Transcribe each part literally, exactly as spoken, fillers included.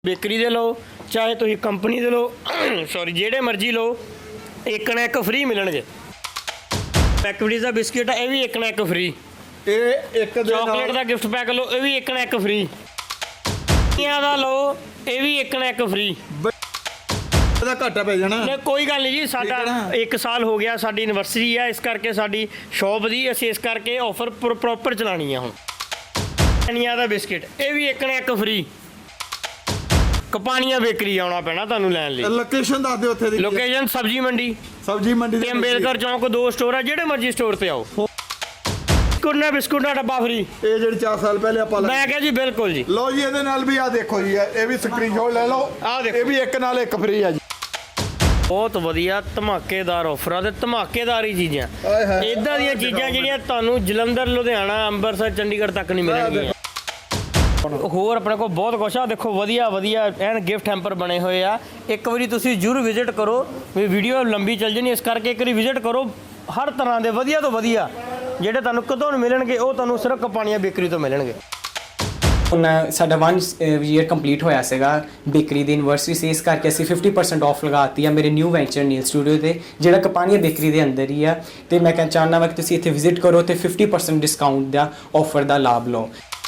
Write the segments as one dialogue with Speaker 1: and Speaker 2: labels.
Speaker 1: Bakery दे लो चाहे तुम company दे लो sorry जेड़े मर्जी लो एक ना एक फ्री मिलणगे। मैकविटीज़ का बिस्किट है, ये भी एक ना एक फ्री।
Speaker 2: एक
Speaker 1: चॉकलेट का गिफ्ट पैक लो, ये भी एक ना एक फ्री। दा लो, ये भी एक ना एक फ्री।
Speaker 2: घाटा पै जाना
Speaker 1: नहीं कोई गल नहीं जी, साडा एक साल हो गया, साडी एनिवर्सरी है, इस करके साडी शॉप दी असीं इस करके ऑफर प्रॉपर चलानी है। हुण कपानिया दा बिस्किट, ये भी एक ना एक फ्री। कपानिया बेकरी आना पैना तुहानू लैण लई।
Speaker 2: लोकेशन दस दिओ उत्थे दी।
Speaker 1: लोकेशन सब्जी मंडी,
Speaker 2: सब्जी मंडी
Speaker 1: ते अंबेडकर चौक दो स्टोर है, जेड़े मर्जी स्टोर ते आओ। बिस्कुट ना बिस्कुट का डब्बा फ्री।
Speaker 2: ये जेडी चार साल पहले आपां
Speaker 1: मैं कहा जी बिल्कुल जी।
Speaker 2: लो जी इहदे नाल भी आ देखो जी, ये भी स्क्रीनशॉट ले लो।
Speaker 1: आ देखो,
Speaker 2: ये भी एक नाल एक फ्री है जी।
Speaker 1: बहुत वधिया धमाकेदार ऑफर है, धमाकेदार ही चीज़ां। इदां दीयां चीज़ां जिहड़ियां तुहानू जलंधर, लुधियाना, अंबरसर, चंडीगढ़ तक नहीं मिलणगीਆਂ। होर अपने को बहुत कुछ आ देखो, वधिया वधिया एन गिफ्ट हैम्पर बने हुए आ। एक बारी तुसीं जरूर विजिट करो, भी वीडियो लंबी चल जानी, इस करके एक बारी विजिट करो। हर तरह के वधिया तो वधिया ਜਿਹੜੇ ਤੁਹਾਨੂੰ ਕਦੋਂ ਮਿਲਣਗੇ ਉਹ ਤੁਹਾਨੂੰ ਸਿਰਫ ਕਪਾਣੀਆਂ ਬੇਕਰੀ ਤੋਂ ਮਿਲਣਗੇ।
Speaker 3: ਹੁਣ ਸਾਡਾ वन ਈਅਰ ਕੰਪਲੀਟ ਹੋਇਆ ਸੀਗਾ ਬੇਕਰੀ ਦੀ ਐਨਵਰਸਰੀ ਸੀ, ਇਸ ਕਰਕੇ ਅਸੀਂ फिफ्टी परसेंट ਆਫ ਲਗਾਤੀ ਆ ਮੇਰੇ ਨਿਊ ਵੈਂਚਰ ਨੀਲ ਸਟੂਡੀਓ ਤੇ, ਜਿਹੜਾ ਕਪਾਣੀਆਂ ਬੇਕਰੀ ਦੇ ਅੰਦਰ ਹੀ ਆ। ਤੇ ਮੈਂ ਕਹਿਣਾ ਚਾਹੁੰਦਾ ਵਾ ਕਿ ਤੁਸੀਂ ਇੱਥੇ ਵਿਜ਼ਿਟ ਕਰੋ ਤੇ फिफ्टी परसेंट ਡਿਸਕਾਊਂਟ ਦਾ ਆਫਰ ਦਾ ਲਾਭ ਲਓ।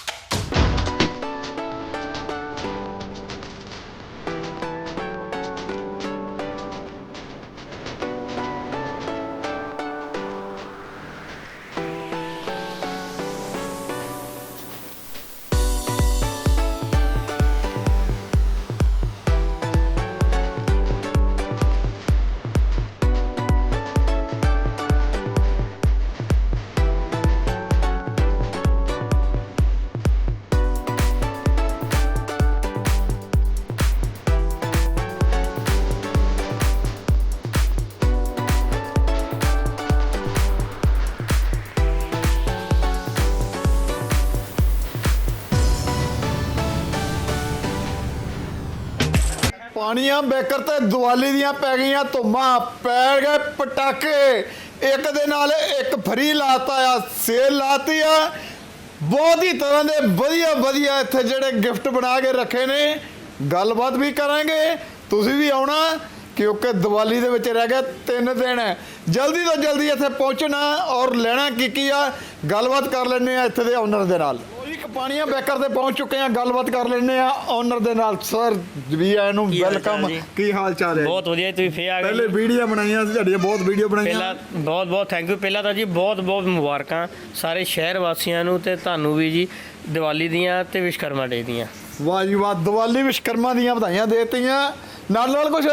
Speaker 2: ਪਾਣੀਆਂ ਬੇਕਰ ਤੇ ਦੀਵਾਲੀ ਦੀਆਂ ਪੈ ਗਈਆਂ ਧੁੰਮਾਂ, ਪੈ ਗਏ ਪਟਾਕੇ, ਇੱਕ ਦੇ ਨਾਲ ਇੱਕ ਫਰੀ ਲਾਤਾ ਆ, ਸੇਲ ਲਾਤੀ ਆ। ਬਹੁਤ ਹੀ ਤਰ੍ਹਾਂ ਦੇ ਵਧੀਆ ਵਧੀਆ ਇੱਥੇ ਜਿਹੜੇ ਗਿਫਟ ਬਣਾ ਕੇ ਰੱਖੇ ਨੇ। ਗੱਲਬਾਤ ਵੀ ਕਰਾਂਗੇ, ਤੁਸੀਂ ਵੀ ਆਉਣਾ ਕਿਉਂਕਿ ਦੀਵਾਲੀ ਦੇ ਵਿੱਚ ਰਹਿ ਗਏ ਤਿੰਨ ਦਿਨ। ਜਲਦੀ ਤੋਂ ਜਲਦੀ ਇੱਥੇ ਪਹੁੰਚਣਾ ਔਰ ਲੈਣਾ ਕੀ ਕੀ ਆ, ਗੱਲਬਾਤ ਕਰ ਲੈਂਦੇ ਆ ਇੱਥੇ ਦੇ ਓਨਰ ਦੇ ਨਾਲ। ਕਪਾਣੀਆਂ ਬੇਕਰ ਤੇ ਪਹੁੰਚ ਚੁੱਕੇ ਆ, ਗੱਲਬਾਤ ਕਰ ਲੈਂਦੇ ਆ ਓਨਰ ਦੇ ਨਾਲ। ਸਰ ਵੀ ਆਇਆਂ ਨੂੰ ਵੈਲਕਮ, ਕੀ ਹਾਲ ਚਾਲ ਹੈ?
Speaker 1: ਬਹੁਤ ਵਧੀਆ, ਤੁਸੀਂ ਫੇਰ ਆ ਗਏ।
Speaker 2: ਪਹਿਲੇ ਵੀਡੀਓ ਬਣਾਈਆਂ ਸੀ ਤੁਹਾਡੀਆਂ, ਬਹੁਤ ਵੀਡੀਓ ਬਣਾਈਆਂ।
Speaker 1: ਪਹਿਲਾਂ ਬਹੁਤ ਬਹੁਤ ਥੈਂਕ ਯੂ। ਪਹਿਲਾਂ ਤਾਂ ਜੀ ਬਹੁਤ ਬਹੁਤ ਮੁਬਾਰਕਾਂ ਸਾਰੇ ਸ਼ਹਿਰ ਵਾਸੀਆਂ ਨੂੰ ਤੇ ਤੁਹਾਨੂੰ ਵੀ ਜੀ ਦੀਵਾਲੀ ਦੀਆਂ ਤੇ ਵਿਸ਼ਕਰਮਾ ਡੇ ਦੀਆਂ।
Speaker 2: ਵਾਹ ਜੀ ਵਾਹ, ਦੀਵਾਲੀ ਵਿਸ਼ਕਰਮਾ ਦੀਆਂ ਵਧਾਈਆਂ ਦੇਤੀਆਂ। ਨਾਲ ਨਾਲ ਕੁਝ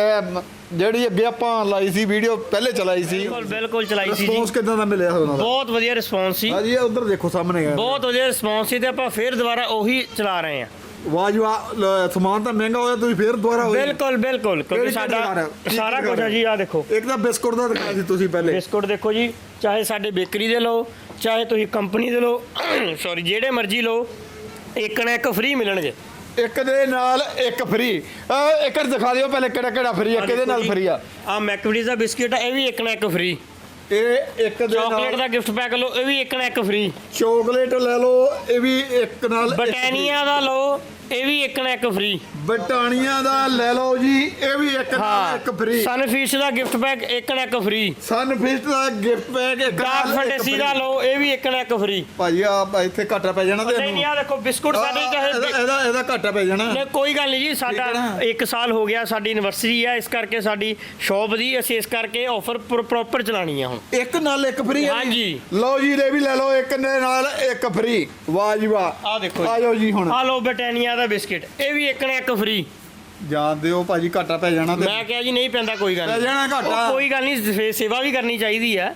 Speaker 2: ਜਿਹੜੀ ਅੱਗੇ ਆਪਾਂ ਲਾਈ ਸੀ ਵੀਡੀਓ, ਪਹਿਲੇ ਚਲਾਈ ਸੀ,
Speaker 1: ਬਿਲਕੁਲ ਬਿਲਕੁਲ ਚਲਾਈ ਸੀ ਜੀ।
Speaker 2: ਰਿਸਪੌਂਸ ਕਿਦਾਂ ਦਾ ਮਿਲਿਆ ਉਹਨਾਂ ਦਾ?
Speaker 1: ਬਹੁਤ ਵਧੀਆ ਰਿਸਪੌਂਸ ਸੀ।
Speaker 2: ਹਾਂ ਜੀ, ਉਧਰ ਦੇਖੋ ਸਾਹਮਣੇ
Speaker 1: ਬਹੁਤ ਵਧੀਆ ਰਿਸਪੌਂਸ ਸੀ ਤੇ ਆਪਾਂ ਫੇਰ ਦੁਬਾਰਾ ਉਹੀ ਚਲਾ ਰਹੇ ਹਾਂ।
Speaker 2: ਵਾਹ ਜੀ ਵਾਹ, ਸਮਾਨ ਤਾਂ ਮਹਿੰਗਾ ਹੋਇਆ, ਤੁਸੀਂ ਫੇਰ ਦੁਬਾਰਾ ਹੋਏ।
Speaker 1: ਬਿਲਕੁਲ ਬਿਲਕੁਲ, ਕਿਉਂਕਿ ਸਾਡਾ ਸਾਰਾ ਕੁਝ ਹੈ ਜੀ। ਆ ਦੇਖੋ,
Speaker 2: ਇੱਕ ਤਾਂ ਬਿਸਕੁਟ ਦਾ ਦਿਖਾਇਆ ਸੀ ਤੁਸੀਂ ਪਹਿਲੇ।
Speaker 1: ਬਿਸਕੁਟ ਦੇਖੋ ਜੀ, ਚਾਹੇ ਸਾਡੇ ਬੇਕਰੀ ਦੇ ਲਓ ਚਾਹੇ ਤੁਸੀਂ ਕੰਪਨੀ ਦੇ ਲਓ ਸੌਰੀ ਜਿਹੜੇ ਮਰਜ਼ੀ ਲਓ, ਇੱਕ ਨਾ ਇੱਕ ਫ੍ਰੀ ਮਿਲਣਗੇ।
Speaker 2: ਇੱਕ ਦੇ ਨਾਲ ਇੱਕ ਫ੍ਰੀ। ਇੱਕ ਦਿਖਾ ਦਿਓ ਪਹਿਲੇ ਕਿਹੜਾ ਕਿਹੜਾ ਫ੍ਰੀ ਆ, ਕਿਹਦੇ ਨਾਲ ਫ੍ਰੀ ਆ?
Speaker 1: ਆ ਮੈਕਵਿਟੀਜ਼ ਦਾ ਬਿਸਕਿਟ ਹੈ, ਇਹ ਵੀ ਇੱਕ ਨਾ ਇੱਕ ਫ੍ਰੀ।
Speaker 2: ਇਹ ਇੱਕ ਦੇ ਨਾਲ
Speaker 1: ਚਾਕਲੇਟ ਦਾ ਗਿਫਟ ਪੈਕ ਲਓ, ਇਹ ਵੀ ਇੱਕ ਨਾ ਇੱਕ ਫ੍ਰੀ।
Speaker 2: ਚਾਕਲੇਟ ਲੈ ਲਓ, ਇਹ ਵੀ ਇੱਕ ਨਾਲ।
Speaker 1: ਬਟਾਨੀਆ ਦਾ ਲਓ, ਇਹ ਵੀ ਇੱਕ ਨਾ ਇੱਕ ਫ੍ਰੀ।
Speaker 2: ਬਟਾਨੀਆ ਦਾ ਲੈ ਲਓ ਜੀ, ਇਹ ਵੀ ਇੱਕ ਨਾਲ ਇੱਕ ਫ੍ਰੀ।
Speaker 1: ਸਨਫਿਸ਼ ਦਾ ਗਿਫਟ ਪੈਕ ਇੱਕ ਨਾ ਇੱਕ ਫ੍ਰੀ।
Speaker 2: ਸਨਫਿਸ਼ ਦਾ ਗਿਫਟ ਪੈਕ ਇੱਕ
Speaker 1: ਡਾਰਕ
Speaker 2: ਨਾਲ ਇੱਕ
Speaker 1: ਫੈਂਟੇਸੀ ਦਾ ਲਓ, ਇਹ ਵੀ ਇੱਕ ਨਾ ਇੱਕ ਫ੍ਰੀ।
Speaker 2: ਭਾਜੀ ਆ ਇੱਥੇ ਘਾਟਾ ਪੈ ਜਾਣਾ
Speaker 1: ਨਹੀਂ
Speaker 2: ਤੈਨੂੰ।
Speaker 1: ਨਹੀਂ, ਆ ਦੇਖੋ ਬਿਸਕੁਟ ਸਾਡੇ ਚਾਹੇ
Speaker 2: ਇਹਦਾ ਇਹਦਾ ਘਾਟਾ ਪੈ ਜਾਣਾ।
Speaker 1: ਨਹੀਂ ਕੋਈ ਗੱਲ ਨਹੀਂ ਜੀ, ਸਾਡਾ ਇੱਕ ਸਾਲ ਹੋ ਗਿਆ, ਸਾਡੀ ਐਨਵਰਸਰੀ ਹੈ, ਇਸ ਕਰਕੇ ਸਾਡੀ ਸ਼ੌਪ ਦੀ ਅਸੀਂ ਇਸ ਕਰਕੇ ਆਫਰ ਪ੍ਰੋਪਰ ਚਲਾਣੀ ਆ। ਹੁਣ
Speaker 2: ਇੱਕ ਨਾਲ ਇੱਕ ਫ੍ਰੀ ਹੈ।
Speaker 1: ਹਾਂਜੀ
Speaker 2: ਲਓ ਜੀ, ਇਹ ਵੀ ਲੈ ਲਓ, ਇੱਕ ਦੇ ਨਾਲ ਇੱਕ ਫ੍ਰੀ। ਵਾਹ ਜੀ ਵਾਹ,
Speaker 1: ਆ ਦੇਖੋ
Speaker 2: ਆ ਜਾਓ ਜੀ। ਹੁਣ
Speaker 1: ਆ ਲਓ ਬਟਾਨੀਆ ਦਾ ਬਿਸਕਿਟ, ਇਹ ਵੀ ਇੱਕ ਨਾ ਇੱਕ ਫ੍ਰੀ।
Speaker 2: ਜਾਣਦੇ ਹੋ ਭਾਜੀ ਘਾਟਾ ਪੈ ਜਾਣਾ ਤੇ
Speaker 1: ਮੈਂ ਕਿਹਾ ਜੀ ਨਹੀਂ ਪੈਂਦਾ, ਕੋਈ ਗੱਲ
Speaker 2: ਪੈ ਜਾਣਾ ਘਾਟਾ।
Speaker 1: ਕੋਈ ਗੱਲ ਨਹੀਂ, ਸੇਵਾ ਵੀ ਕਰਨੀ ਚਾਹੀਦੀ ਹੈ।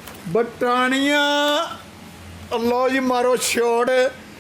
Speaker 2: ਬਟਾਨੀਆ ਲਓ ਜੀ, ਮਾਰੋ ਛੋੜ,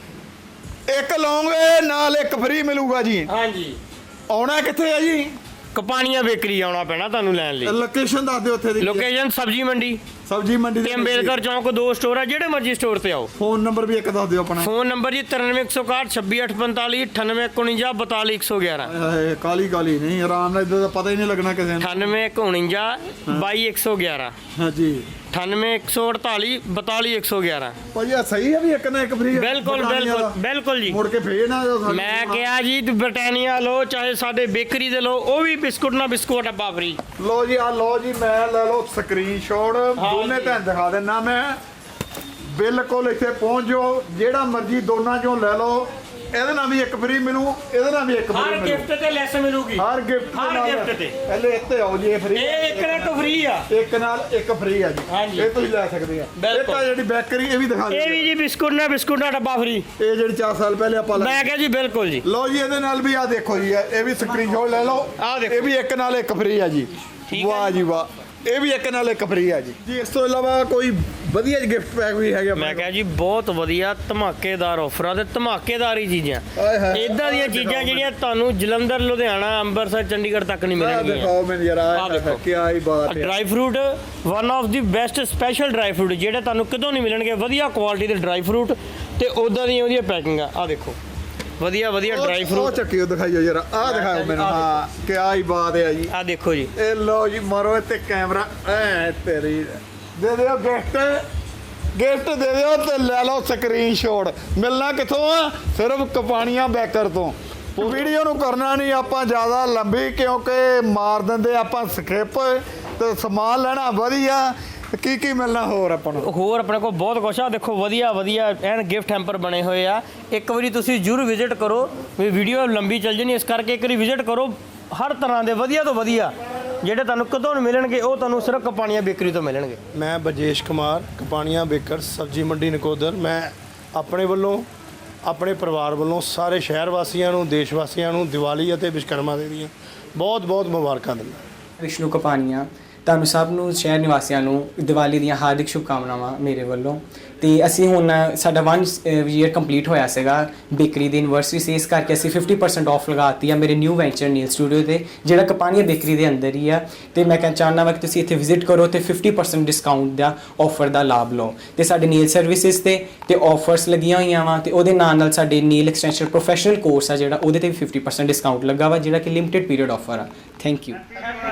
Speaker 2: ਇੱਕ ਲਓਗੇ ਨਾਲ ਇੱਕ ਫ੍ਰੀ ਮਿਲੂਗਾ ਜੀ।
Speaker 1: ਹਾਂਜੀ,
Speaker 2: ਆਉਣਾ ਕਿੱਥੇ ਹੈ ਜੀ?
Speaker 1: ਕਪਾਣੀਆਂ ਬੇਕਰੀ ਆਉਣਾ ਪੈਣਾ ਤੁਹਾਨੂੰ ਲੈਣ ਲਈ।
Speaker 2: ਲੋਕੇਸ਼ਨ ਦੱਸ ਦਿਓ ਉੱਥੇ ਦੀ।
Speaker 1: ਲੋਕੇਸ਼ਨ ਸਬਜੀ ਮੰਡੀ,
Speaker 2: ਸਬਜੀ ਮੰਡੀ
Speaker 1: ਤੇ
Speaker 2: ਦੇ
Speaker 1: ਅੰਬੇਦਕਰ ਚੌਂਕ ਦੋ ਸਟੋਰ ਆ, ਜਿਹੜੇ ਮਰਜ਼ੀ ਸਟੋਰ ਤੇ ਆਓ।
Speaker 2: ਫੋਨ ਨੰਬਰ ਵੀ ਇੱਕ ਦੱਸ ਦਿਓ ਆਪਣਾ।
Speaker 1: ਫੋਨ ਨੰਬਰ ਜੀ ਤਰਾਨਵੇਂ ਇੱਕ ਸੌ ਇਕਾਹਠ ਛੱਬੀ ਅੱਠ ਪੰਤਾਲੀ ਅਠਾਨਵੇਂ ਇੱਕ ਉਣੰਜਾ ਬਤਾਲੀ ਇੱਕ ਸੌ ਗਿਆਰਾਂ।
Speaker 2: ਹਾਏ ਕਾਲੀ ਕਾਲੀ ਨਹੀਂ, ਆਰਾਮ ਨਾਲ ਇਦਾਂ ਦਾ ਪਤਾ ਹੀ ਨਹੀਂ ਲੱਗਣਾ ਕਿਸੇ ਨੂੰ।
Speaker 1: ਅਠਾਨਵੇਂ ਇੱਕ ਉਣੰਜਾ ਬਾਈ ਇੱਕ ਸੌ ਗਿਆਰਾਂ
Speaker 2: ਹਾਂਜੀ
Speaker 1: ਅਠਾਨਵੇਂ ਇੱਕ ਸੌ ਅੜਤਾਲੀ ਬਤਾਲੀ ਇੱਕ ਸੌ ਗਿਆਰਾਂ।
Speaker 2: ਭਾਜੀ ਆ ਸਹੀ ਹੈ ਵੀ ਇੱਕ ਨਾ ਇੱਕ ਫ੍ਰੀ?
Speaker 1: ਬਿਲਕੁਲ ਬਿਲਕੁਲ ਬਿਲਕੁਲ ਜੀ।
Speaker 2: ਮੁੜ ਕੇ ਫੇਰ ਨਾ ਸਾਨੂੰ
Speaker 1: ਮੈਂ ਕਿਹਾ ਜੀ ਬ੍ਰਿਟਾਨੀਆ ਲਓ ਚਾਹੇ ਸਾਡੇ ਬੇਕਰੀ ਦੇ ਲਓ, ਉਹ ਵੀ ਬਿਸਕੁਟ ਨਾ ਬਿਸਕੁਟ ਡੱਬਾ ਫ੍ਰੀ।
Speaker 2: ਲੋ ਜੀ ਆ ਲੋ ਜੀ, ਮੈਂ ਲੈ ਲਓ ਸਕਰੀਨਸ਼ਾਟ, ਦੋਨੇ ਤੁਹਾਨੂੰ ਦਿਖਾ ਦਿੰਨਾ ਮੈਂ। ਬਿਲਕੁਲ ਇੱਥੇ ਪਹੁੰਚ ਜਾਓ, ਜਿਹੜਾ ਮਰਜ਼ੀ ਦੋਨਾਂ ਚੋਂ ਲੈ ਲਓ। ਇਹਦੇ ਨਾਲ ਵੀ ਇੱਕ ਫ੍ਰੀ ਮਿਲੂ, ਇਹਦੇ ਨਾਲ ਵੀ ਇੱਕ ਫ੍ਰੀ
Speaker 1: ਹਰ
Speaker 2: ਮਿਲੂ।
Speaker 1: ਗਿਫਟ ਤੇ ਲੈਸ ਮਿਲੂਗੀ,
Speaker 2: ਹਰ ਗਿਫਟ
Speaker 1: ਹਰ gift ਤੇ।
Speaker 2: ਪਹਿਲੇ ਇੱਥੇ ਆਓ ਜੀ, ਇਹ ਫ੍ਰੀ
Speaker 1: ਇਹ ਇੱਕ ਨਾ ਇੱਕ ਫ੍ਰੀ ਆ।
Speaker 2: ਇੱਕ ਨਾਲ ਇੱਕ ਫ੍ਰੀ ਆ ਜੀ,
Speaker 1: ਹਾਂਜੀ।
Speaker 2: ਇਹ ਤੁਸੀਂ ਲੈ ਸਕਦੇ ਆ। ਇਹ ਤਾਂ ਜਿਹੜੀ ਬੇਕਰੀ ਇਹ ਵੀ ਦਿਖਾ ਦਿਓ।
Speaker 1: ਇਹ ਵੀ ਜੀ ਬਿਸਕੁਟ ਨਾ ਬਿਸਕੁਟ ਦਾ ਡੱਬਾ ਫ੍ਰੀ।
Speaker 2: ਇਹ ਜਿਹੜੀ ਚਾਰ ਸਾਲ ਪਹਿਲੇ ਆਪਾਂ ਲੈ
Speaker 1: ਮੈਂ ਕਿਹਾ ਜੀ ਬਿਲਕੁਲ ਜੀ।
Speaker 2: ਲਓ ਜੀ, ਇਹਦੇ ਨਾਲ ਵੀ ਆ ਦੇਖੋ ਜੀ, ਇਹ ਵੀ ਸਕਰੀਨਸ਼ਾਟ ਲੈ ਲਓ।
Speaker 1: ਆਹ ਦੇਖੋ।
Speaker 2: ਇਹ ਵੀ ਇੱਕ ਨਾਲ ਇੱਕ ਫ੍ਰੀ ਆ ਜੀ।
Speaker 1: ਠੀਕ ਹੈ
Speaker 2: ਵਾਹ ਜੀ ਵਾਹ, ਇਹ ਵੀ ਇੱਕ ਨਾਲ ਇੱਕ ਫ੍ਰੀ ਆ ਜੀ। ਜੀ ਇਸ ਤੋਂ ਇਲਾਵਾ ਕੋਈ ਵਧੀਆ ਗਿਫਟ ਪੈਕ ਵੀ ਹੈਗਾ?
Speaker 1: ਮੈਂ ਕਿਹਾ ਜੀ ਬਹੁਤ ਵਧੀਆ ਧਮਾਕੇਦਾਰ ਆਫਰਾਂ ਤੇ ਧਮਾਕੇਦਾਰ ਹੀ ਚੀਜ਼ਾਂ।
Speaker 2: ਆਏ ਹਾਏ।
Speaker 1: ਇਦਾਂ ਦੀਆਂ ਚੀਜ਼ਾਂ ਜਿਹੜੀਆਂ ਤੁਹਾਨੂੰ ਜਲੰਧਰ, ਲੁਧਿਆਣਾ, ਅੰਮ੍ਰਿਤਸਰ, ਚੰਡੀਗੜ੍ਹ ਤੱਕ ਨਹੀਂ
Speaker 2: ਆਹ
Speaker 1: ਮਿਲਣਗੀਆਂ।
Speaker 2: ਦਿਖਾਓ ਮੈਨੂੰ ਜਰਾ,
Speaker 1: ਆਹ ਦੇਖੋ।
Speaker 2: ਕੀ ਆਈ ਬਾਤ ਹੈ।
Speaker 1: Dry fruit one of the best special dry fruit ਜਿਹੜੇ ਤੁਹਾਨੂੰ ਕਿਤੋਂ ਨਹੀਂ ਮਿਲਣਗੇ। ਵਧੀਆ ਕੁਆਲਿਟੀ ਦੇ ਡਰਾਈ ਫਰੂਟ ਤੇ ਉਦਾਂ ਦੀਆਂ ਉਹਦੀਆਂ ਪੈਕਿੰਗਾਂ। ਆ ਦੇਖੋ ਵਧੀਆ ਵਧੀਆ ਡਰਾਈ
Speaker 2: ਉਹ
Speaker 1: ਫਰੂਟ।
Speaker 2: ਚੱਕਿਓ ਦਿਖਾਈਓ ਜਰਾ, ਆਹ ਦਿਖਾਓ ਮੈਨੂੰ। ਹਾਂ ਕੀ ਆਈ ਬਾਤ ਹੈ ਜੀ।
Speaker 1: ਆ ਦੇਖੋ ਜੀ,
Speaker 2: ਇਹ ਲਓ ਜੀ, ਮਾਰੋ ਇੱਥੇ ਕੈਮਰਾ। ਐ ਤੇਰੀ ਦੇ ਦਿਓ ਗਿਫਟ, ਗਿਫਟ ਦੇ ਦਿਓ ਤੇ ਲੈ ਲਓ ਸਕਰੀਨਸ਼ਾਟ। ਮਿਲਣਾ ਕਿੱਥੋਂ ਆ? ਸਿਰਫ ਕਪਾਣੀਆਂ ਬੇਕਰ ਤੋਂ। ਵੀਡੀਓ ਨੂੰ ਕਰਨਾ ਨਹੀਂ ਆਪਾਂ ਜ਼ਿਆਦਾ ਲੰਬੀ, ਕਿਉਂਕਿ ਮਾਰ ਦਿੰਦੇ ਆਪਾਂ ਸਕਿਪ। ਤੇ ਸਮਾਨ ਲੈਣਾ ਵਧੀਆ, ਕੀ ਕੀ ਮਿਲਣਾ ਹੋਰ ਆਪਾਂ ਨੂੰ?
Speaker 1: ਹੋਰ ਆਪਣੇ ਕੋਲ ਬਹੁਤ ਕੁਛ ਆ। ਦੇਖੋ ਵਧੀਆ ਵਧੀਆ ਐਨ ਗਿਫਟ ਹੈਂਪਰ ਬਣੇ ਹੋਏ ਆ। ਇੱਕ ਵਾਰੀ ਤੁਸੀਂ ਜ਼ਰੂਰ ਵਿਜ਼ਿਟ ਕਰੋ, ਵੀ ਵੀਡੀਓ ਲੰਬੀ ਚੱਲ ਜਣੀ, ਇਸ ਕਰਕੇ ਇੱਕ ਵਾਰੀ ਵਿਜ਼ਿਟ ਕਰੋ। ਹਰ ਤਰ੍ਹਾਂ ਦੇ ਵਧੀਆ ਤੋਂ ਵਧੀਆ ਜਿਹੜੇ ਤੁਹਾਨੂੰ ਕਦੋਂ ਨਹੀਂ ਮਿਲਣਗੇ, ਉਹ ਤੁਹਾਨੂੰ ਸਿਰਫ ਕਪਾਣੀਆਂ ਬੇਕਰੀ ਤੋਂ ਮਿਲਣਗੇ।
Speaker 4: ਮੈਂ ਬਰਜੇਸ਼ ਕੁਮਾਰ, ਕਪਾਣੀਆਂ ਬੇਕਰ, ਸਬਜ਼ੀ ਮੰਡੀ ਨਕੋਦਰ। ਮੈਂ ਆਪਣੇ ਵੱਲੋਂ, ਆਪਣੇ ਪਰਿਵਾਰ ਵੱਲੋਂ ਸਾਰੇ ਸ਼ਹਿਰ ਵਾਸੀਆਂ ਨੂੰ, ਦੇਸ਼ ਵਾਸੀਆਂ ਨੂੰ ਦੀਵਾਲੀ ਅਤੇ ਵਿਸ਼ਕਰਮਾ ਦੇ ਦੀਆਂ ਬਹੁਤ ਬਹੁਤ ਮੁਬਾਰਕਾਂ ਦਿੰਦਾ।
Speaker 3: ਵਿਸ਼ਨੂੰ ਕਪਾਨੀਆ, ਤੁਹਾਨੂੰ ਸਭ ਨੂੰ, ਸ਼ਹਿਰ ਨਿਵਾਸੀਆਂ ਨੂੰ ਦੀਵਾਲੀ ਦੀਆਂ ਹਾਰਦਿਕ ਸ਼ੁਭਕਾਮਨਾਵਾਂ ਮੇਰੇ ਵੱਲੋਂ। ਤੇ ਅਸੀਂ ਹੁਣ ਸਾਡਾ ਵਨ ਈਅਰ ਕੰਪਲੀਟ ਹੋਇਆ ਸੀਗਾ ਬੇਕਰੀ ਦੀ ਐਨਵਰਸਰੀ ਸੀ, ਇਸ ਕਰਕੇ ਅਸੀਂ ਫਿਫਟੀ ਪਰਸੈਂਟ ਆਫ ਲਗਾਤੀ ਆ ਮੇਰੇ ਨਿਊ ਵੈਂਚਰ ਨੀਲ ਸਟੂਡੀਓ ਤੇ, ਜਿਹੜਾ ਕਪਾਣੀਆ ਬੇਕਰੀ ਦੇ ਅੰਦਰ ਹੀ ਆ। ਤੇ ਮੈਂ ਕਹਿਣਾ ਚਾਹੁੰਦਾ ਵਾ ਕਿ ਤੁਸੀਂ ਇੱਥੇ ਵਿਜ਼ਿਟ ਕਰੋ ਤੇ ਫਿਫਟੀ ਪਰਸੈਂਟ ਡਿਸਕਾਊਂਟ ਦਾ ਆਫਰ ਦਾ ਲਾਭ ਲਓ। ਤੇ ਸਾਡੇ ਨੀਲ ਸਰਵਿਸਿਜ਼ ਤੇ ਤੇ ਆਫਰਸ ਲੱਗੀਆਂ ਹੋਈਆਂ ਵਾ, ਤੇ ਉਹਦੇ ਨਾਲ ਨਾਲ ਸਾਡੇ ਨੀਲ ਐਕਸਟੈਂਸ਼ਨ ਪ੍ਰੋਫੈਸ਼ਨਲ ਕੋਰਸ ਆ ਜਿਹੜਾ, ਉਹਦੇ ਤੇ ਵੀ ਫਿਫਟੀ ਪਰਸੈਂਟ ਡਿਸਕਾਊਂਟ ਲੱਗਾ ਵਾ, ਜਿਹੜਾ ਕਿ ਲਿਮਿਟਿਡ ਪੀਰੀਅਡ ਆਫਰ ਆ। Thank you.